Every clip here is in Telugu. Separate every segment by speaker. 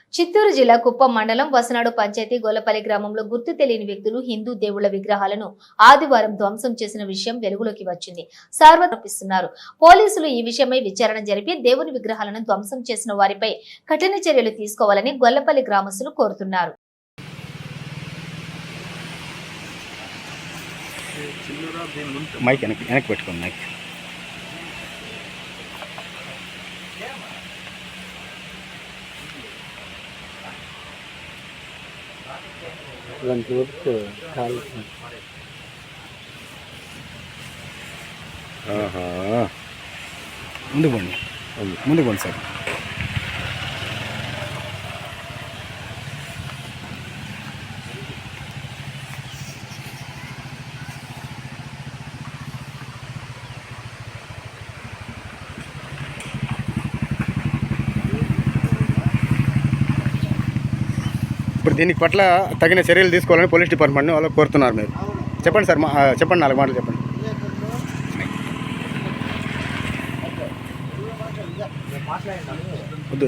Speaker 1: చిత్తూరు జిల్లా కుప్పం మండలం వసనాడు పంచాయతీ గొల్లపల్లి గ్రామంలో గుర్తు తెలియని వ్యక్తులు హిందూ దేవుళ్ల విగ్రహాలను ఆదివారం ధ్వంసం చేసిన విషయం వెలుగులోకి వచ్చింది. సార్వత్రిస్తున్నారు. పోలీసులు ఈ విషయమై విచారణ జరిపి దేవుని విగ్రహాలను ధ్వంసం చేసిన వారిపై కఠిన చర్యలు తీసుకోవాలని గొల్లపల్లి గ్రామస్తులు కోరుతున్నారు.
Speaker 2: ముందు పోండి సార్. ఇప్పుడు దీనికి పట్ల తగిన చర్యలు తీసుకోవాలని పోలీస్ డిపార్ట్మెంట్ని వాళ్ళు కోరుతున్నారు. మీరు చెప్పండి సార్, చెప్పండి, 4 మాటలు చెప్పండి. వద్దు.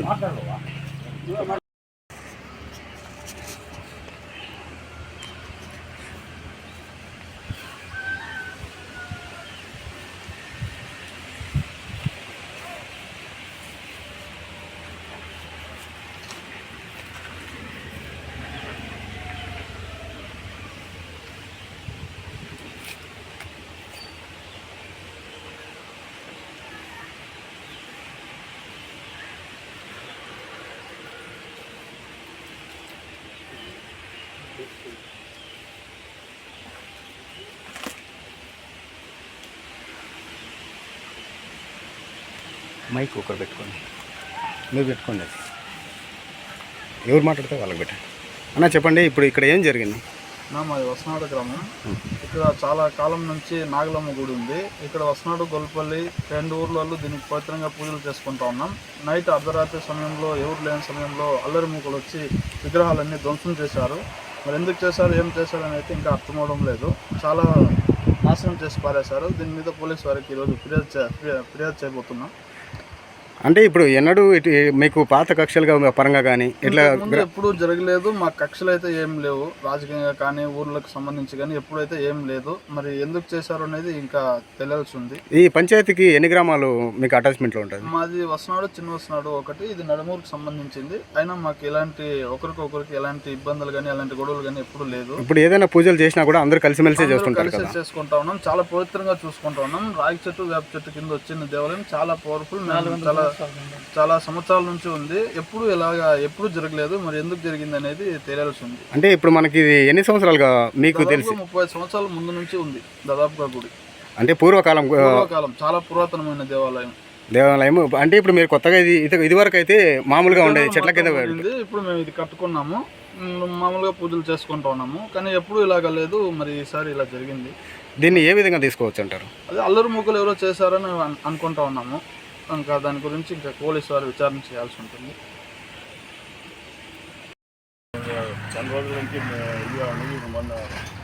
Speaker 2: మైక్ ఒకరు పెట్టుకోండి, మీరు పెట్టుకోండి. ఎవరు మాట్లాడితే వాళ్ళకి పెట్టండి. అన్న చెప్పండి, ఇప్పుడు ఇక్కడ ఏం జరిగింది?
Speaker 3: మాది వసనాడు గ్రామం. ఇక్కడ చాలా కాలం నుంచి నాగలమ్మ గుడి ఉంది. ఇక్కడ వసనాడు గొల్లపల్లి 2 ఊర్లలో దీనికి పవిత్రంగా పూజలు చేసుకుంటా ఉన్నాం. నైట్ అర్ధరాత్రి సమయంలో ఎవరు లేని సమయంలో అల్లరి మూకలు వచ్చి విగ్రహాలన్నీ ధ్వంసం చేశారు. మరి ఎందుకు చేశారు, ఏం చేశారు అని అయితే ఇంకా అర్థమవడం లేదు. చాలా నాశనం చేసి పారేశారు. దీని మీద పోలీసు వారికి ఈరోజు ఫిర్యాదు చేయబోతున్నాం.
Speaker 2: అంటే ఇప్పుడు ఎన్నడూ మీకు పాత కక్షలుగా పరంగా కానీ ఇట్లా
Speaker 3: ఎప్పుడూ జరగలేదు. మా కక్షలు అయితే ఏం లేవు, రాజకీయంగా కానీ ఊర్లకు సంబంధించి కానీ ఎప్పుడైతే ఏం లేదు. మరి ఎందుకు చేశారు అనేది ఇంకా తెలియాల్సి ఉంది.
Speaker 2: ఈ పంచాయతీకి ఎన్ని గ్రామాలు మీకు అటాచ్మెంట్లో ఉంటుంది?
Speaker 3: మాది వసనాడు, చిన్న వసనాడు ఒకటి, ఇది నడుమూరుకు సంబంధించింది. అయినా మాకు ఎలాంటి ఒకరికి ఎలాంటి ఇబ్బందులు కానీ ఎలాంటి గొడవలు కానీ ఎప్పుడు లేదు.
Speaker 2: ఇప్పుడు ఏదైనా పూజలు చేసినా కూడా అందరూ కలిసిమెలిసి
Speaker 3: చేసుకుంటా ఉన్నాం. చాలా పవిత్రంగా చూసుకుంటా ఉన్నాం. రాగి చెట్టు, వేప చెట్టు కింద వచ్చిన దేవాలయం చాలా పవర్ఫుల్. చాలా సంవత్సరాల నుంచి ఉంది. ఎప్పుడు జరగలేదు. మరి ఎందుకు జరిగింది అనేది తెలియాల్సి ఉంది.
Speaker 2: అంటే ఇప్పుడు మనకి ఎన్ని సంవత్సరాలుగా మీకు తెలిసి?
Speaker 3: 30 సంవత్సరాల ముందు నుంచి ఉంది దాదాపుగా గుడి.
Speaker 2: అంటే పూర్వకాలం
Speaker 3: చాలా పురాతనమైన దేవాలయం.
Speaker 2: అంటే ఇప్పుడు మీరు కొత్తగా ఇది వరకు అయితే మామూలుగా ఉండేది చెట్ల కింద.
Speaker 3: ఇప్పుడు మేము ఇది కట్టుకున్నాము, మామూలుగా పూజలు చేసుకుంటా ఉన్నాము. కానీ ఎప్పుడు ఇలాగ లేదు. మరి ఈసారి ఇలా జరిగింది.
Speaker 2: దీన్ని ఏ విధంగా తీసుకోవచ్చు అంటారు?
Speaker 3: అదే అల్లరి మూకలు ఎవరో చేశారని అనుకుంటా ఉన్నాము. ఇంకా దాని గురించి ఇంకా పోలీసు వారు విచారణ చేయాల్సి ఉంటుంది.
Speaker 4: చాలా రోజుల నుంచి మొన్న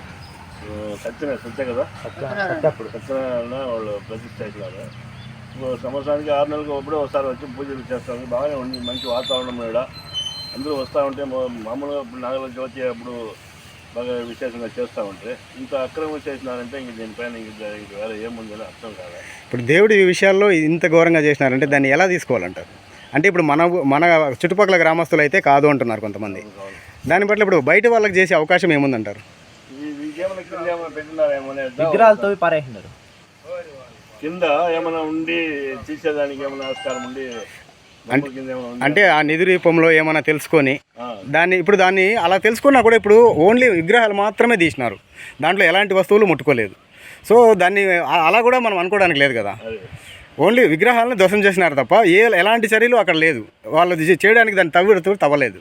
Speaker 4: సత్య కదా సత్యనారాయణ వాళ్ళు ప్రతిష్ట చేసినారు. సంవత్సరానికి 6 నెలలకు ఒకసారి వచ్చి పూజలు చేస్తారు. బాగానే ఉంది, మంచి వాతావరణం ఇక్కడ. అందరూ వస్తూ ఉంటే మామూలుగా నాగల జ్యోతి అప్పుడు బాగా విశేషంగా చేస్తూ ఉంటే ఇంత అక్రమం చేసినారంటే ఇంక దీనిపైన ఇంక వేరే ఏముందని అర్థం కాదు.
Speaker 2: ఇప్పుడు దేవుడి విషయాల్లో ఇంత ఘోరంగా చేసినారంటే దాన్ని ఎలా తీసుకోవాలంటారు? అంటే ఇప్పుడు మన చుట్టుపక్కల గ్రామస్తులు అయితే కాదు అంటున్నారు కొంతమంది. దాన్ని బట్టి ఇప్పుడు బయట వాళ్ళకి చేసే అవకాశం ఏముందంటారు?
Speaker 4: ఇంకేమైనా కింద ఏమైనా పెట్టినారేమో,
Speaker 5: విగ్రహాలతో పారేసినారు.
Speaker 4: కింద ఏమైనా ఉండి తీసేదానికి ఏమైనా ఆస్కారం ఉండి
Speaker 2: అంటే ఆ నిధి రూపంలో ఏమైనా తెలుసుకొని దాన్ని అలా తెలుసుకున్నా కూడా ఇప్పుడు ఓన్లీ విగ్రహాలు మాత్రమే తీసినారు. దాంట్లో ఎలాంటి వస్తువులు ముట్టుకోలేదు. సో దాన్ని అలా కూడా మనం అనుకోవడానికి లేదు కదా. ఓన్లీ విగ్రహాలను ధ్వంసం చేసినారు తప్ప ఎలాంటి చర్యలు అక్కడ లేదు. వాళ్ళు చేయడానికి దాన్ని తవ్వలేదు.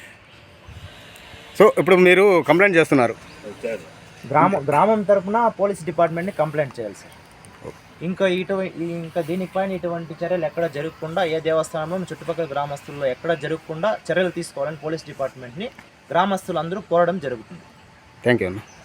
Speaker 2: సో ఇప్పుడు మీరు కంప్లైంట్ చేస్తున్నారు.
Speaker 5: గ్రామం తరఫున పోలీస్ డిపార్ట్మెంట్ని కంప్లైంట్ చేయాలి సార్. ఇంకా దీనిపైన ఇటువంటి చర్యలు ఎక్కడ జరగకుండా, ఏ దేవస్థానంలో చుట్టుపక్కల గ్రామస్తుల్లో ఎక్కడ జరగకుండా చర్యలు తీసుకోవాలని పోలీస్ డిపార్ట్మెంట్ని గ్రామస్తులందరూ కోరడం జరుగుతుంది.
Speaker 2: థ్యాంక్ యూ అన్న.